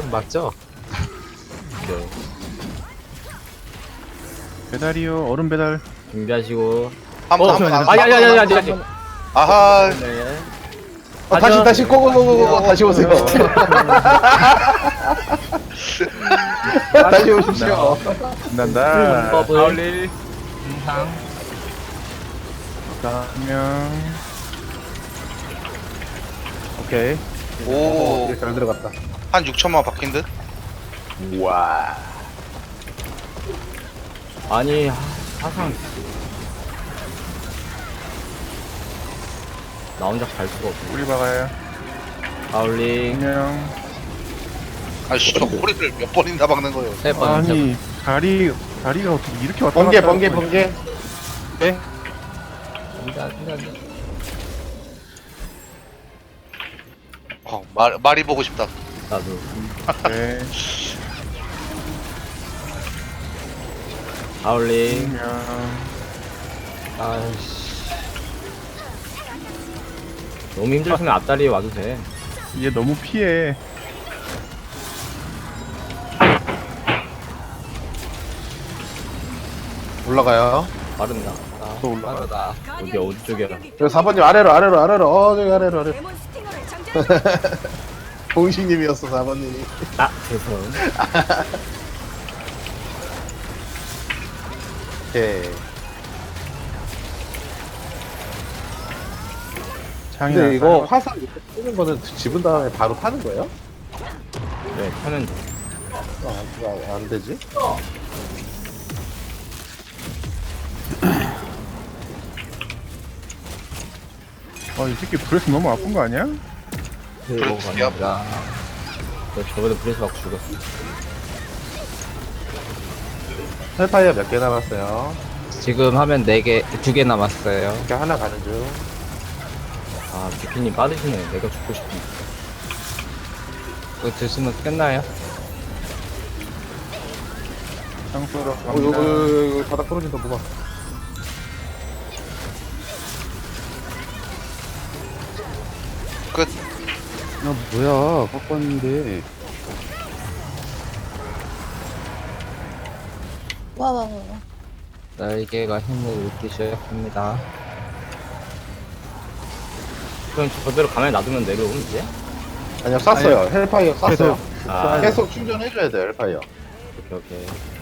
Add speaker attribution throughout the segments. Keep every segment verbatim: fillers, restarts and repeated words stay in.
Speaker 1: 맞죠?
Speaker 2: 네.
Speaker 3: 배달이요. 얼음 배달.
Speaker 2: 준비하시고.
Speaker 4: 한번
Speaker 2: 어,
Speaker 4: 한번
Speaker 2: 아, 야, 야, 야, 야, 아직, 아직.
Speaker 4: 아하.
Speaker 2: 네.
Speaker 1: 아, 다시 다시 고고고고고 다시 오세요. 다시 오십시오.
Speaker 3: 간단다.
Speaker 2: 파울리.
Speaker 3: 안녕. 오케이.
Speaker 4: 오.
Speaker 1: 잘 들어갔다.
Speaker 4: 한 육천만 박힌 듯?
Speaker 1: 와.
Speaker 2: 아니, 하- 사상. 나 혼자 갈 수가 없어.
Speaker 3: 우리 박아요.
Speaker 2: 파울리.
Speaker 3: 안녕.
Speaker 4: 아씨, 저 꼬리를 몇 번이나 박는 거예요.
Speaker 2: 세 번, 세 번.
Speaker 3: 아니 다리 다리가 어떻게 이렇게 왔다
Speaker 1: 번개
Speaker 3: 갔다
Speaker 1: 번개
Speaker 3: 하고
Speaker 1: 번개.
Speaker 3: 네?
Speaker 2: 안돼, 안돼, 안돼.
Speaker 4: 어, 말, 말이 보고 싶다.
Speaker 2: 나도.
Speaker 3: 네.
Speaker 2: 파울리.
Speaker 3: 안녕.
Speaker 2: 아이씨. 너무 힘들으면 앞다리에 와도 돼.
Speaker 3: 얘 너무 피해.
Speaker 1: 올라가요.
Speaker 2: 빠른다. 아,
Speaker 3: 또 올라가.
Speaker 2: 빠르다. 어디, 어디 쪽이야?
Speaker 1: 저 사 번님 아래로 아래로 아래로 어 저기 아래로 아래로.
Speaker 5: 데몬 스팅어를 장전.
Speaker 1: 공식님이었어 사 번님이.
Speaker 2: 아, 죄송.
Speaker 1: 오케이.
Speaker 3: 장이
Speaker 1: 근데 이거
Speaker 3: 났어요.
Speaker 1: 화살 이렇게 쓰는 거는 집은 다음에 바로 타는 거예요?
Speaker 2: 네, 타면 돼.
Speaker 1: 아, 안, 안 되지?
Speaker 3: 어, 이 새끼 브레스 너무 아픈 거 아니야?
Speaker 2: 그리고
Speaker 4: 그렇지,
Speaker 2: 갑니다. 저 저번에 브레스 받고 죽었어.
Speaker 1: 헬파이어 몇 개 남았어요?
Speaker 6: 지금 하면 네 개, 두 개 남았어요.
Speaker 1: 이렇게 하나 가는 중.
Speaker 2: 아, 비피님 빠르시네. 내가 죽고 싶은데.
Speaker 6: 그거 드시면 끝나요?
Speaker 3: 장소로
Speaker 1: 어, 이거,
Speaker 3: 갑니다.
Speaker 1: 이거, 이거 바닥 떨어진다, 뭐가.
Speaker 4: 끝.
Speaker 7: 아 뭐야 꺾었는데
Speaker 5: 와, 와, 와, 와.
Speaker 6: 날개가 힘을 잃기 시작합니다.
Speaker 2: 그럼 저대로 가만히 놔두면 내려오면 이제?
Speaker 1: 아니요, 쐈어요. 헬파이어 쐈어요.
Speaker 3: 계속.
Speaker 2: 아,
Speaker 1: 계속 충전해줘야 돼요, 헬파이어.
Speaker 2: 오케이, 오케이.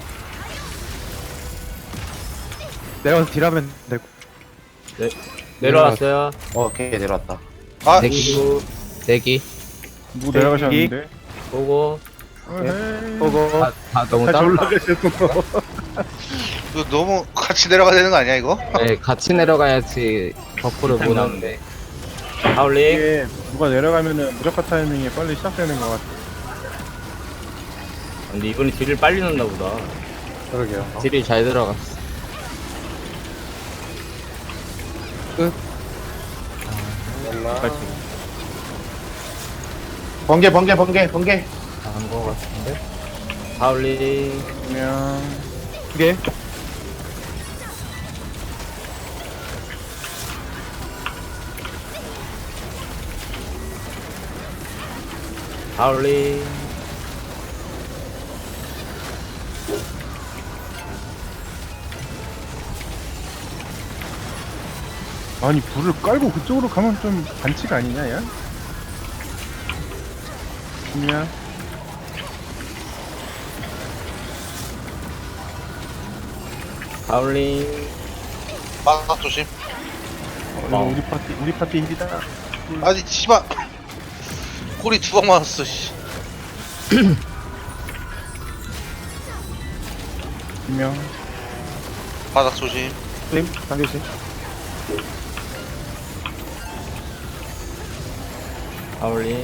Speaker 7: 내려가서 딜하면 되고
Speaker 2: 네, 내려왔어요.
Speaker 1: 어, 오케이, 내려왔다.
Speaker 4: 아,
Speaker 6: 대기, 대기.
Speaker 3: 누구 내려가셨는데?
Speaker 2: 보고.
Speaker 3: 어헤이.
Speaker 1: 보고.
Speaker 6: 다, 다 너무
Speaker 3: 다시
Speaker 6: 딱.
Speaker 3: 올라가셨어.
Speaker 4: 이거 너무 같이 내려가야 되는 거 아니야, 이거?
Speaker 6: 네, 같이 내려가야지 버프를 못 하는데.
Speaker 2: 파울리.
Speaker 3: 이게 누가 내려가면은 무조건 타이밍이 빨리 시작되는 것 같아.
Speaker 2: 근데 이번에 딜을 빨리 넣나 보다.
Speaker 1: 그러게요. 어?
Speaker 6: 딜이 잘 들어갔어.
Speaker 2: 같이.
Speaker 1: 번개, 번개, 번개, 번개.
Speaker 6: 나은 거 같은데?
Speaker 2: 파울리.
Speaker 3: 그냥
Speaker 7: 이게
Speaker 2: 파울리.
Speaker 3: 아니 불을 깔고 그쪽으로 가면 좀 반칙 아니냐 야? 그냥
Speaker 2: 파울리.
Speaker 4: 바닥 조심.
Speaker 3: 어, 이거 우리 파티 우리 파티 힐이다.
Speaker 4: 아니, 씨발. 꼬리 두 방 맞았어, 씨.
Speaker 3: 분명
Speaker 4: 바닥 조심.
Speaker 1: 님, 당겨주세요.
Speaker 2: 파울리.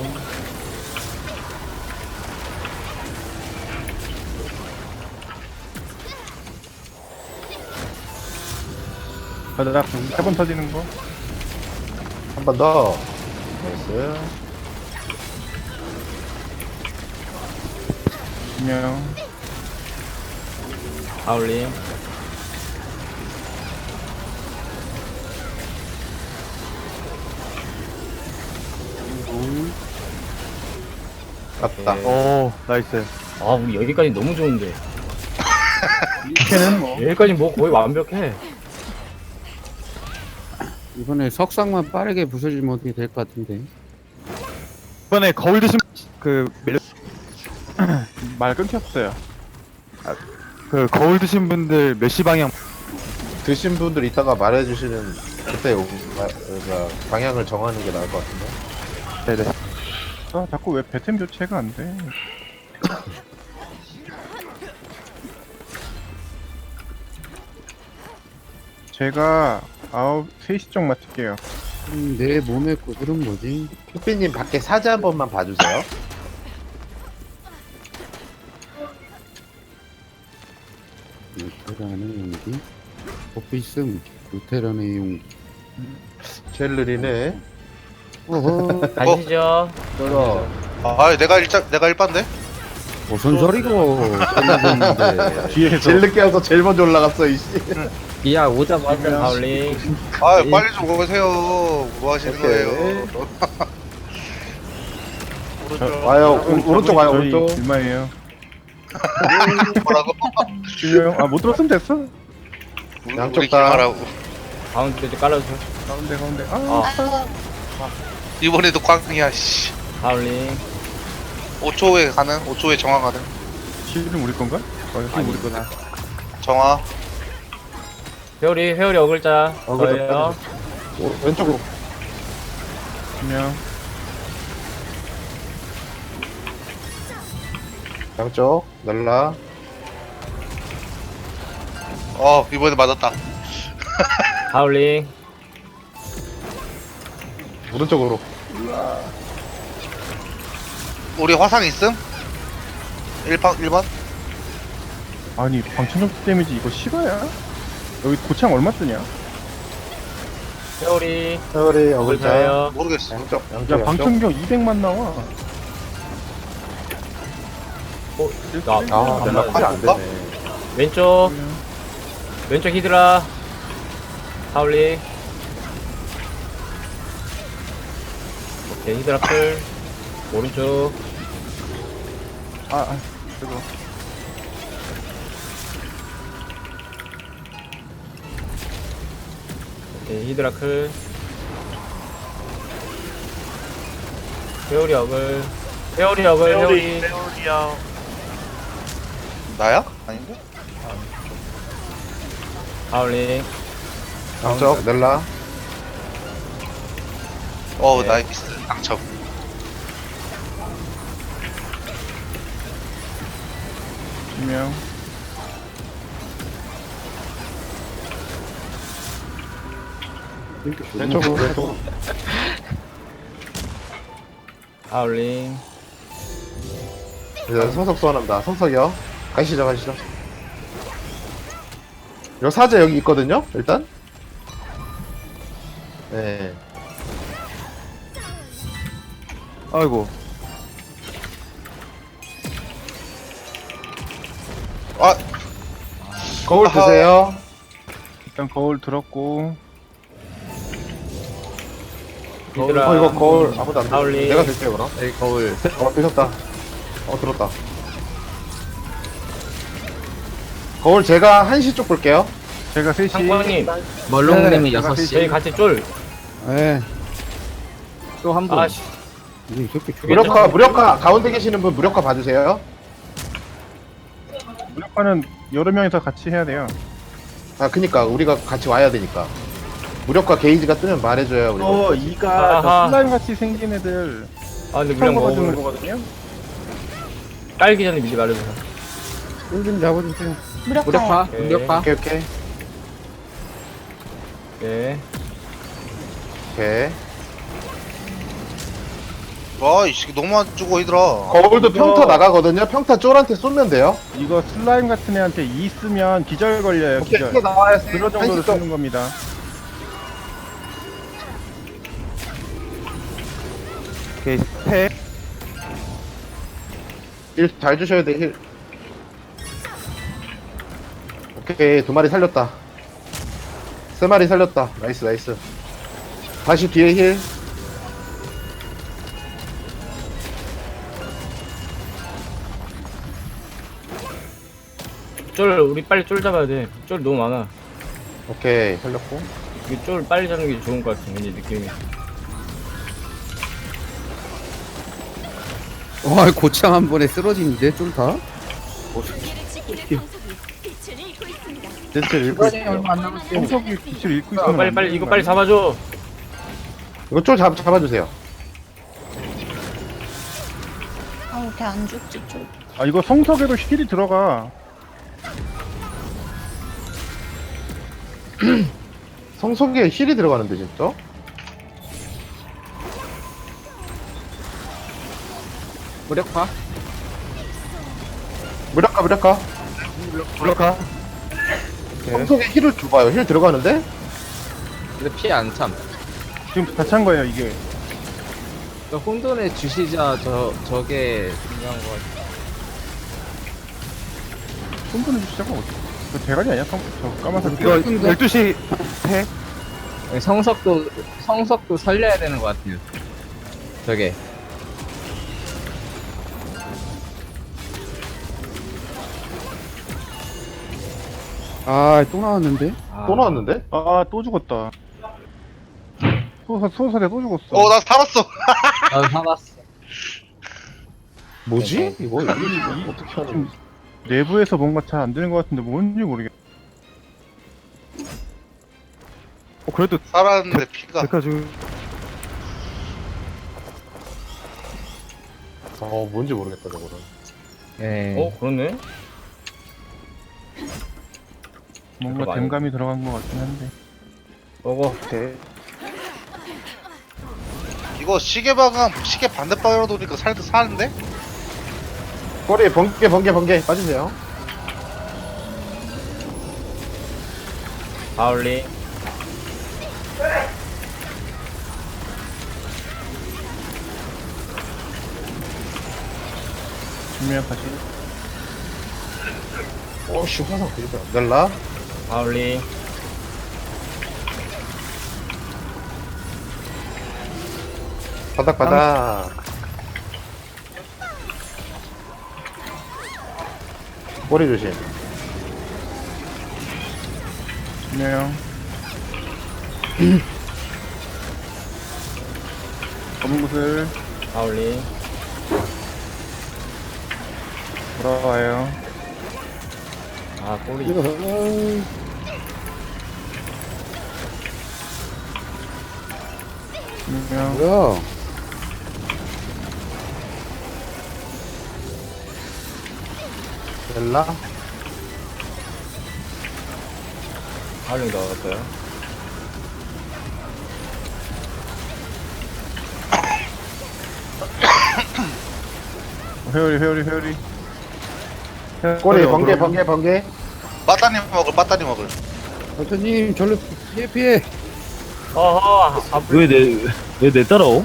Speaker 3: 바닥 세 번 터지는 거.
Speaker 1: 한 번 더. 나이스.
Speaker 3: 분명
Speaker 2: 파울리.
Speaker 1: 갔다.
Speaker 2: 네.
Speaker 3: 오 나이스.
Speaker 2: 아, 우리 여기까지 너무 좋은데.
Speaker 3: 이렇게는 뭐
Speaker 2: 여기까지 뭐 거의 완벽해.
Speaker 7: 이번에 석상만 빠르게 부서지면 어떻게 될 것 같은데.
Speaker 3: 이번에 거울 드신 그 멜... 말 끊겼어요. 아, 그 거울 드신 분들 몇 시 방향
Speaker 1: 드신 분들 이따가 말해주시는 그때 오- 마- 그러니까 방향을 정하는 게 나을 것 같은데.
Speaker 3: 네네. 아 자꾸 왜 배템 교체가 안 돼? 제가 아홉 세 시 쪽 맡을게요.
Speaker 7: 음, 내 몸의 구슬은 뭐지?
Speaker 1: 휘삐님 밖에 사제 한 번만 봐주세요.
Speaker 7: 루테란의 용기? 버프있음 루테란의 용기.
Speaker 1: 제일 느리네.
Speaker 7: 어허.
Speaker 2: 가시죠.
Speaker 1: 떨어.
Speaker 4: 아 내가 일자 내가 일반데?
Speaker 7: 무슨 소리고 끝나는데.
Speaker 3: 뒤에서
Speaker 1: 제일 늦게 와서 제일 먼저 올라갔어 이씨.
Speaker 6: 야 오자마자
Speaker 2: 하울링.
Speaker 4: 아 빨리 좀 오세요. 뭐 하시는
Speaker 1: 오케이.
Speaker 4: 거예요?
Speaker 1: 와요. 오- 오른쪽 와요.
Speaker 3: 저희
Speaker 1: 오른쪽.
Speaker 3: 얼마예요?
Speaker 4: 뭐라고?
Speaker 3: 지금 아못 들었으면 됐어.
Speaker 4: 우리-
Speaker 1: 양쪽
Speaker 4: 우리
Speaker 1: 다.
Speaker 4: 기말하고
Speaker 2: 가운데 좀 깔아주세요.
Speaker 3: 가운데 가운데. 아,
Speaker 2: 아,
Speaker 5: 아,
Speaker 4: 이번에도 꽝이야 씨.
Speaker 2: 하울링.
Speaker 4: 오 초에 가는 오 초에 정화 가는
Speaker 3: 실은 우리 건가? 어, 실 우리 거다.
Speaker 4: 정화.
Speaker 2: 회오리, 회오리 어글자.
Speaker 1: 어글자
Speaker 2: 저예요.
Speaker 1: 오, 왼쪽으로.
Speaker 3: 그냥
Speaker 1: 양쪽. 날라.
Speaker 4: 어 이번에 맞았다.
Speaker 2: 하울링.
Speaker 1: 오른쪽으로.
Speaker 4: 우리 화상 있음? 일 번 일 번?
Speaker 3: 아니 방천적 데미지 이거 실화야? 여기 고창 얼마 쓰냐?
Speaker 2: 회오리.
Speaker 1: 세월이 어글자.
Speaker 2: 어글자예요.
Speaker 4: 모르겠어.
Speaker 1: 양쪽.
Speaker 3: 야
Speaker 1: 양쪽. 양쪽.
Speaker 3: 방천경 이백만 나와.
Speaker 2: 어, 나,
Speaker 1: 아,
Speaker 2: 안
Speaker 1: 내가
Speaker 2: 맞았네.
Speaker 1: 팔이 안 되네.
Speaker 2: 왼쪽. 왼쪽 히드라. 하울링. 오케이, 히드라 풀. 오른쪽.
Speaker 3: 아, 아 이거
Speaker 2: 오케이, 히드라 클. 회오리 어글. 회오리 어글, 회오리.
Speaker 4: 나야? 아닌데?
Speaker 2: 하울링.
Speaker 1: 양쪽. 날라.
Speaker 4: 어
Speaker 2: 네.
Speaker 4: 나이스 당첨.
Speaker 3: 분명
Speaker 1: 왼쪽으로. 왼쪽으로.
Speaker 2: 하울링.
Speaker 1: 이제 성석 소환합니다. 성석이요. 가시죠, 가시죠. 요 사제 여기 있거든요. 일단. 네.
Speaker 3: 아이고
Speaker 4: 아
Speaker 1: 거울
Speaker 4: 아하.
Speaker 1: 드세요.
Speaker 3: 일단 거울 들었고
Speaker 2: 히드라.
Speaker 1: 어 이거 거울 아무도 안 돼.
Speaker 2: 하울링.
Speaker 1: 내가 들게요 그럼.
Speaker 6: 여기 거울
Speaker 1: 어 드셨다. 어 들었다. 거울 제가 한시 쪽 볼게요.
Speaker 3: 제가 세 시
Speaker 2: 상광님,
Speaker 6: 멀롱님이
Speaker 3: 네,
Speaker 6: 여섯
Speaker 2: 저희
Speaker 6: 시
Speaker 2: 같이 쫄.
Speaker 7: 에
Speaker 6: 또 한 분.
Speaker 2: 아씨,
Speaker 7: 이게 저렇게 죽여.
Speaker 1: 무력화 무력화 가운데 계시는 분 무력화 봐주세요.
Speaker 3: 무력화는 여러 명이서 같이 해야 돼요.
Speaker 1: 아 그니까 우리가 같이 와야 되니까. 무력화 게이지가 뜨면 말해줘요 우리.
Speaker 3: 어 이가
Speaker 2: 아하.
Speaker 3: 슬라임 같이 생긴 애들
Speaker 2: 아 근데
Speaker 3: 처음
Speaker 2: 무력
Speaker 3: 받아주는
Speaker 2: 먹어.
Speaker 3: 거거든요.
Speaker 2: 깔기 전에 미리 말해주세요.
Speaker 7: 좀 잡아주세요.
Speaker 5: 무력화.
Speaker 6: 무력화
Speaker 2: 오케이.
Speaker 6: 무력화
Speaker 1: 오케이 오케이
Speaker 2: 네.
Speaker 1: 오케이.
Speaker 4: 와이 새끼 너무 안 주고 있더라.
Speaker 1: 거울도
Speaker 3: 이거-
Speaker 1: 평타 나가거든요. 평타 쫄한테 쏘면 돼요.
Speaker 3: 이거 슬라임 같은 애한테 이 쓰면 기절 걸려요.
Speaker 1: 오케이
Speaker 3: 기절.
Speaker 1: 이게 나와야
Speaker 3: 그런 정도로
Speaker 1: 한시 쪽.
Speaker 3: 쓰는 겁니다. 오케이 스택.
Speaker 1: 힐잘 주셔야 돼 힐. 오케이 두 마리 살렸다. 세 마리 살렸다. 나이스 나이스. 다시 뒤에 힐.
Speaker 2: 쫄 우리 빨리 쫄 잡아야 돼. 쫄 너무 많아.
Speaker 1: 오케이 살렸고.
Speaker 2: 이쫄 빨리 잡는 게 좋은 것 같아. 왠지 느낌이.
Speaker 7: 와 고창 한 번에 쓰러지는데 쫄 다?
Speaker 1: 댄스를 읽고 있어요.
Speaker 3: 얼마 안 남았어요. 성석이 빛을 읽고
Speaker 2: 이거
Speaker 3: 있으면
Speaker 2: 빨리
Speaker 3: 안
Speaker 2: 빨리
Speaker 3: 되는
Speaker 2: 이거
Speaker 3: 거
Speaker 2: 빨리
Speaker 3: 아니야?
Speaker 2: 잡아줘.
Speaker 1: 이거 쫄 잡, 잡아주세요.
Speaker 5: 아, 이렇게 안 죽지, 좀.
Speaker 3: 아 이거 성석에도 힐이 들어가.
Speaker 1: 성속에 힐이 들어가는데 진짜?
Speaker 6: 무력화?
Speaker 1: 무력화 무력화.
Speaker 3: 올라가.
Speaker 1: 성속에 힐을 줘봐요. 힐 들어가는데?
Speaker 6: 근데 피해 안 참.
Speaker 3: 지금 다 찬 거예요 이게.
Speaker 6: 저 혼돈의 주시자 저 저게 중요한 거 같아.
Speaker 3: 손분해 주시자가 어디? 그 대가리 아니야? 성, 저 까만색.
Speaker 7: 이거
Speaker 3: 이거 열두 시 해.
Speaker 6: 성석도 성석도 살려야 되는 것 같아요. 저게.
Speaker 7: 아 또 나왔는데?
Speaker 2: 아,
Speaker 1: 또 나왔는데?
Speaker 3: 아 또 죽었다. 소사 소사대 또 죽었어.
Speaker 4: 어, 나 살았어.
Speaker 6: 나도 살았어.
Speaker 1: 뭐지? 이거 이거 어떻게 하는 거지?
Speaker 3: 내부에서 뭔가 잘 안 되는 것 같은데 뭔지 모르겠. 어 그래도
Speaker 4: 살았는데 피가.
Speaker 3: 데카 지금
Speaker 1: 어 뭔지 모르겠다 저거는.
Speaker 6: 예.
Speaker 2: 어 그렇네.
Speaker 3: 뭔가
Speaker 2: 그거 많이-
Speaker 3: 댐감이 들어간 것 같긴 한데.
Speaker 2: 먹어.
Speaker 1: 오케이.
Speaker 4: 이거 시계 방향, 시계 반대 방향으로 도니까 살도 사는데?
Speaker 1: 꼬리 번개 번개 번개 빠지세요.
Speaker 2: 바울링.
Speaker 3: 준비한 다시.
Speaker 1: 오씨 화상 되겠다. 넬라.
Speaker 2: 바울링.
Speaker 1: 바닥 바닥. 꼬리 조심.
Speaker 3: 준비형. 검은 구슬
Speaker 2: 바울링.
Speaker 3: 돌아와요.
Speaker 2: 아 꼬리.
Speaker 7: 이거
Speaker 3: 준비형.
Speaker 7: 뭐야?
Speaker 1: 넬라.
Speaker 2: 바울링 넣었어요.
Speaker 3: 회오리 회오리 회오리.
Speaker 1: 꼬리
Speaker 3: 회오리
Speaker 1: 번개
Speaker 3: 어그로.
Speaker 1: 번개 번개.
Speaker 4: 빠따님 먹을, 빠따님 먹을.
Speaker 7: 선생님 절로 피해 피해.
Speaker 2: 어허. 아,
Speaker 8: 왜 내 왜 내 따라오?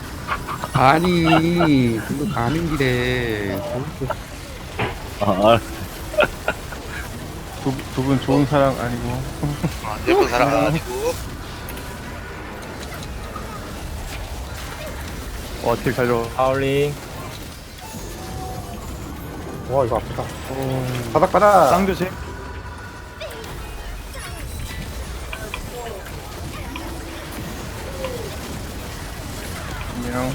Speaker 7: 아니 그거 가는 길에
Speaker 8: 아,
Speaker 3: 두 분 좋은 사랑 아니고.
Speaker 4: 아, 예쁜 사람 아니고.
Speaker 3: 어, 딜 잘려.
Speaker 2: 바울링.
Speaker 1: 와 이거 아프다. 바닥 바닥.
Speaker 3: 쌍조심. 준비형.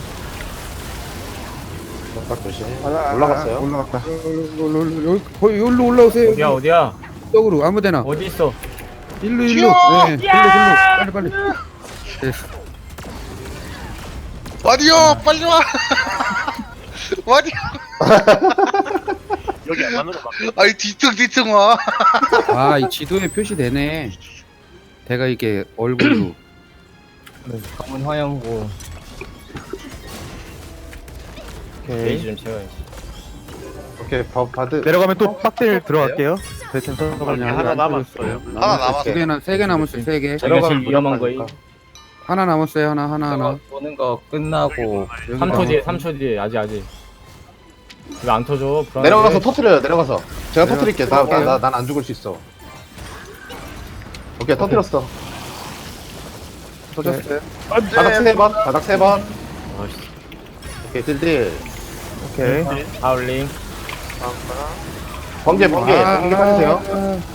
Speaker 1: 바닥 조심.
Speaker 3: 아,
Speaker 1: 올라갔어요.
Speaker 3: 올라갔다.
Speaker 7: 여기 거의 여기로 올라오세요.
Speaker 2: 어디야 어디야?
Speaker 7: 쪽으로 아무데나.
Speaker 2: 어디 있어?
Speaker 7: 일로 일로.
Speaker 4: 튀어!
Speaker 7: 네, 일로 일로. 빨리 빨리. 됐어.
Speaker 4: 와디오, 빨리 와. 와디오.
Speaker 8: 여기 안으로 막.
Speaker 4: 아니, 뒤뚱, 뒤뚱 와.
Speaker 7: 아, 이 지도에 표시되네. 내가 이게 얼굴로.
Speaker 6: 검은 화염구.
Speaker 2: 게이지 좀 채워야지.
Speaker 1: 오케이 바, 바드.
Speaker 3: 내려가면 또 빡딜 들어갈게요. 대체
Speaker 7: 그냥
Speaker 8: 하나
Speaker 7: 안
Speaker 8: 남았어요.
Speaker 4: 하나 남았어.
Speaker 7: 세 개나 세 개 남았어요. 세 개.
Speaker 2: 저희가 제일 위험한 거임.
Speaker 7: 하나 남았어요. 하나 하나
Speaker 6: 저거
Speaker 7: 하나.
Speaker 6: 보는 거 끝나고
Speaker 7: 여기
Speaker 2: 삼 초
Speaker 7: 남았-
Speaker 2: 뒤에 삼 초 뒤에 아직 아직. 왜 안 터져? 불안해.
Speaker 1: 내려가서 터트려요. 내려가서. 제가
Speaker 7: 내려-
Speaker 1: 터트릴게. 나난 안 죽을 수 있어. 오케이 터트렸어.
Speaker 7: 터졌어요.
Speaker 1: 바닥 세 번. 바닥 세 번.
Speaker 2: 아이씨.
Speaker 1: 오케이 딜딜.
Speaker 3: 오케이.
Speaker 2: 바울링.
Speaker 1: 번개 번개
Speaker 7: 아.
Speaker 1: 번개 빠지세요.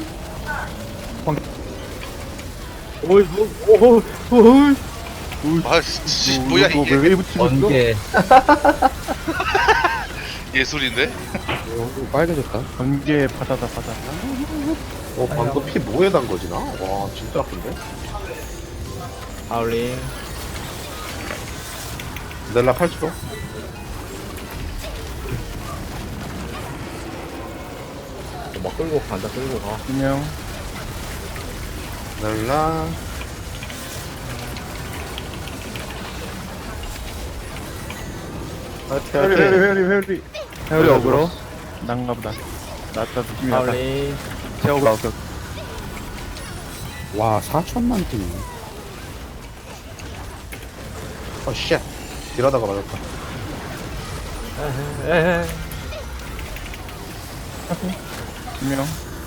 Speaker 2: 오이, 오, 오, 오,
Speaker 4: 아 씨, 뭐야
Speaker 1: 이거
Speaker 4: 이게
Speaker 1: 왜 붙이고 있어?
Speaker 6: 번개.
Speaker 4: 예술인데?
Speaker 7: 어, 빨개졌다.
Speaker 3: 번개 바다다 바다.
Speaker 1: 어 방금 피 뭐에 단 거지 나? 와 진짜 아픈데?
Speaker 2: 하울링.
Speaker 1: 넬라 팔 초.
Speaker 2: 막 끌고 간다, 끌고 가.
Speaker 3: 분명.
Speaker 1: 넬라. 화이팅
Speaker 3: 회오리 회오리
Speaker 1: 화이팅.
Speaker 3: 회오리 회오리. 회오리 어그로. 난가 보다. 낫다 느낌이 나다.
Speaker 2: 하울링.
Speaker 3: 제 어그로 어그로.
Speaker 7: 와, 사천만 팀.
Speaker 1: 어 쉣. 이러다가 맞았다.
Speaker 2: 에헤.
Speaker 3: 분명.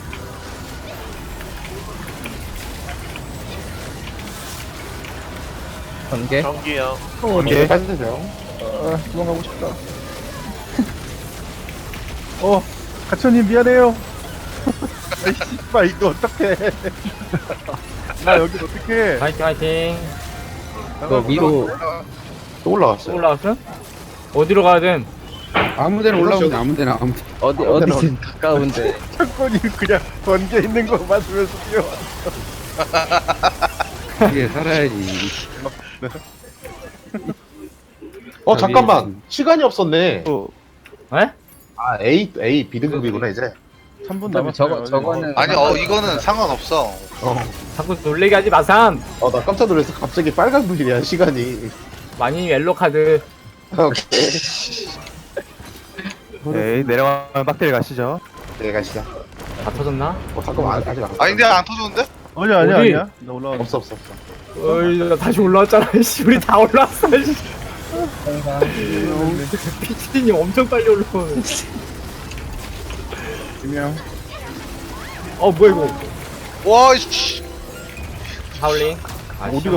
Speaker 6: 번개.
Speaker 8: 전기요.
Speaker 1: 번개 빠지세요.
Speaker 3: 아, 도망가고 싶다. 어, 가천님 미안해요. 아이 씨발 이거 어떡해. 나 여기 어떡해.
Speaker 2: 화이팅, 화이팅.
Speaker 6: 그 위로
Speaker 1: 또 올라갔어요.
Speaker 2: 올라왔어? 어디로 가든.
Speaker 7: 아무 데나 올라오면 돼, 아무 데나, 아무 데나.
Speaker 6: 어디 어디든 가까운데.
Speaker 3: 창권이 그냥 번개 있는 거 맞으면서 뛰어.
Speaker 7: 이게 살아야지.
Speaker 1: 어 잠깐만 시간이 없었네.
Speaker 3: 또
Speaker 2: 에?
Speaker 1: 아 A A 비등급이구나 이제.
Speaker 3: 삼 분
Speaker 6: 그다음에
Speaker 3: 남았어요.
Speaker 6: 저거 저거는
Speaker 4: 아니 어 이거는 상관없어.
Speaker 1: 어.
Speaker 2: 자꾸 놀래게 하지 마삼.
Speaker 1: 어 나 깜짝 놀라서 갑자기 빨간불이야 시간이.
Speaker 2: 많이 옐로 카드.
Speaker 1: 오케이.
Speaker 3: 네, 내려가면 빡대리 가시죠.
Speaker 1: 네 가시다.
Speaker 2: 다 터졌나?
Speaker 1: 어 잠깐만 아직 안.
Speaker 4: 아니 근데 안 터졌는데?
Speaker 3: 아니야, 아니야,
Speaker 2: 어디?
Speaker 3: 아니야. 나 올라와.
Speaker 1: 없어 없어 없어.
Speaker 2: 어이, 나 다시 올라왔잖아. 씨, 우리 다 올라왔어. 씨. 피치님 엄청 빨리 올라오네.
Speaker 3: 분명.
Speaker 2: 어, 뭐야, 이거.
Speaker 4: 와 씨.
Speaker 2: 하울링. 아,
Speaker 3: 어디가?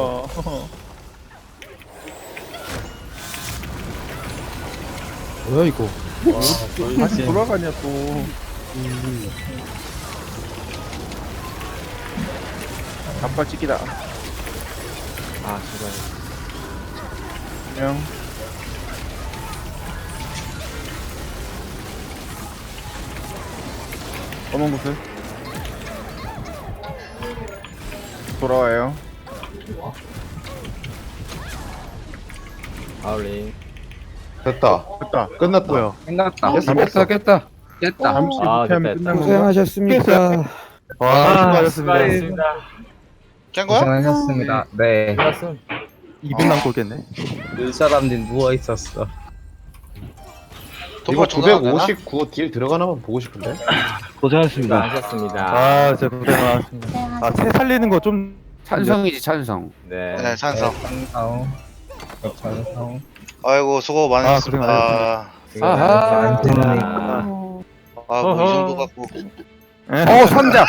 Speaker 7: 뭐야, 이거.
Speaker 3: 다시 돌아가냐 또. 갑발 찍기다.
Speaker 2: 아, 제발.
Speaker 3: 분명. 검은 곳을 돌아와요.
Speaker 2: 하울링.
Speaker 1: 됐다.
Speaker 3: 됐다.
Speaker 1: 끝났다.
Speaker 3: 뭐야?
Speaker 6: 끝났다.
Speaker 1: 깼어,
Speaker 7: 깼다, 깼다. 깼다.
Speaker 3: 잠시
Speaker 2: 아,
Speaker 3: 못하면
Speaker 2: 됐다,
Speaker 3: 끝난 건가?
Speaker 7: 고생하셨습니다.
Speaker 3: 와,
Speaker 2: 아,
Speaker 3: 수고하셨습니다.
Speaker 2: 수고하셨습니다.
Speaker 4: 깬 거야?
Speaker 6: 고생하셨습니다. 네.
Speaker 2: 수고하셨음.
Speaker 3: 이 분 남고 오겠네.
Speaker 6: 그 사람들 누워 있었어.
Speaker 1: 이거
Speaker 4: 도발 전화 되나?
Speaker 1: 구백오십구 딜 들어가나만 보고 싶은데.
Speaker 8: 고생하셨습니다.
Speaker 2: 수고하셨습니다.
Speaker 3: 아, 진짜 고생 많았습니다. 아, 채 살리는 거 좀
Speaker 7: 찬성이지, 찬성.
Speaker 2: 네.
Speaker 4: 네 찬성.
Speaker 6: 찬성. 찬성.
Speaker 4: 아이고 수고
Speaker 3: 아,
Speaker 4: 많으셨습니다.
Speaker 3: 고생
Speaker 2: 수고하셨습니다.
Speaker 6: 수고하셨습니다.
Speaker 4: 아뭐 이 정도 갖고
Speaker 3: 어,
Speaker 7: 선자!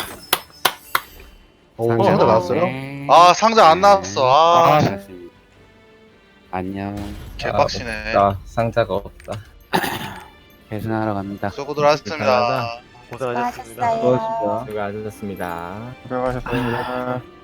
Speaker 1: 오 상자 나왔어요?
Speaker 4: 아 상자 안 나왔어. 아
Speaker 3: 아,
Speaker 7: 안녕.
Speaker 4: 개빡치네.
Speaker 6: 나 상자가 없다.
Speaker 7: 계산하러 갑니다.
Speaker 4: 수고들 하셨습니다.
Speaker 5: 수고하셨어요.
Speaker 2: 수고하셨습니다.
Speaker 3: 고생하셨습니다.